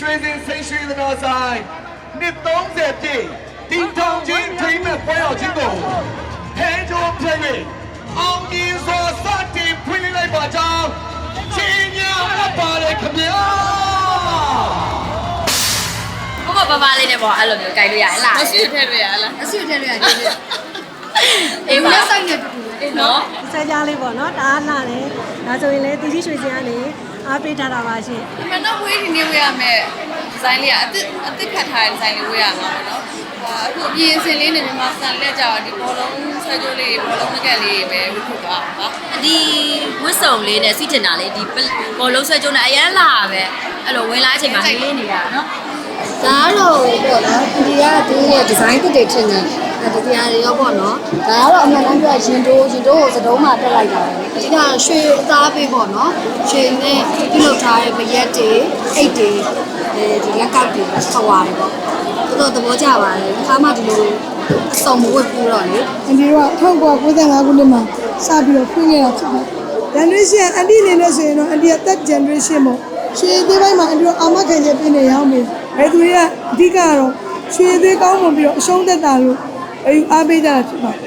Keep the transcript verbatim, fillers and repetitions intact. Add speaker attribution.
Speaker 1: ရွှေစင်စိတ်ရွှေသနာဆိုင်နှစ်သုံးဆယ်ပြည့်တီထောင်ချင်းထိမ့်မဲ့ပွဲတော်ချင်းကိုဖဲကြိုးပြည့်၍အောင်ကြီးစွာစတင်ဖွင့်လိုက်ပါကြောင်းချင်းညာအပ်ပါတယ်ခင်ဗျာ
Speaker 2: ဘာဘာဘာလေးနဲ့ပေါ့အဲ့လိုမျိုးကြိုက်လို့ရလား
Speaker 3: မရှိထည့်လို့ရလား
Speaker 4: အဆွေထည့်လို့ရတယ်လေ
Speaker 2: အေးပါ
Speaker 4: စိုက်နေတူတူ
Speaker 2: အေးနော်
Speaker 5: ဆဲကြားလေးပေါ့နော်ဒါလာတယ်ဒါဆိုရင်လည်းတီတီရွှေစင်ကနေအားပေးထားတာပါရှင်
Speaker 3: ဒီမှာတော့ဝေးဒီနေ့ဝေးရမယ်ဒီဇိုင်းလေးကအစ်အစ်ခတ်ထားတဲ့ဒီဇိုင်းလေးဝေးရမှာပေါ့နော်အခုအပြင်စင်လေးနဲ့မြန်မာစံလက်ကြတော့ဒီဘောလုံးဆွဲကြိုးလေးဘောလုံးမကက်လေးပဲဝတ်ထုတ်ပါပါ
Speaker 2: ဒီဝတ်စုံလေးနဲ့စီးတင်တာလေးဒီဘောလုံးဆွဲကြိုးနဲ့အရန်လာပဲအဲ့လိုဝင်လာအချိန်မှာလေးနေတာနော်
Speaker 4: ဒါတော့ပေါ့နော်ဒီကဒီရဲ့ဒီဇိုင်းတစ်တွေထင်တယ်အဲဒီတရားတွေရောပေါ့နော်ဒါကတော့အမှန်တမ်းပြောရင်တိုးရင်တိုးကိုစတုံးမှာတက်လိုက်တာပဲအဓိကရွှေအသားပေးပေါ့နော်ရွှေနဲ့ပြုလုပ်ထားတဲ့မရက်တွေအိတ်တွေအဲဒီလက်ကောက်တွေဆော်ရတယ်ပေါ့တော်တော်သဘောကျပါတယ်ခါမှဒီလိုအစုံမဝတ်ဘူးတော့လေ
Speaker 5: အန်ဒီတို့က၁၉၉၅ခုနှစ်မှာစပြီးတော့ဖွင့်ခဲ့တာဖြစ်ပါတယ် generation အန်ဒီအနေနဲ့ဆိုရင်တော့အန်ဒီက third generation ပေါ့ရွှေသေးပိုင်းမှာအန်ဒီတို့အာမခံချက်ပြနေရအောင်ပြီဘယ်သူတွေကအဓိကတော့ရွှေသေးကောင်းမှပြီးတော့အရှုံးသက်တာလို့အယူအားပေးကြတာဖြစ်ပါတယ်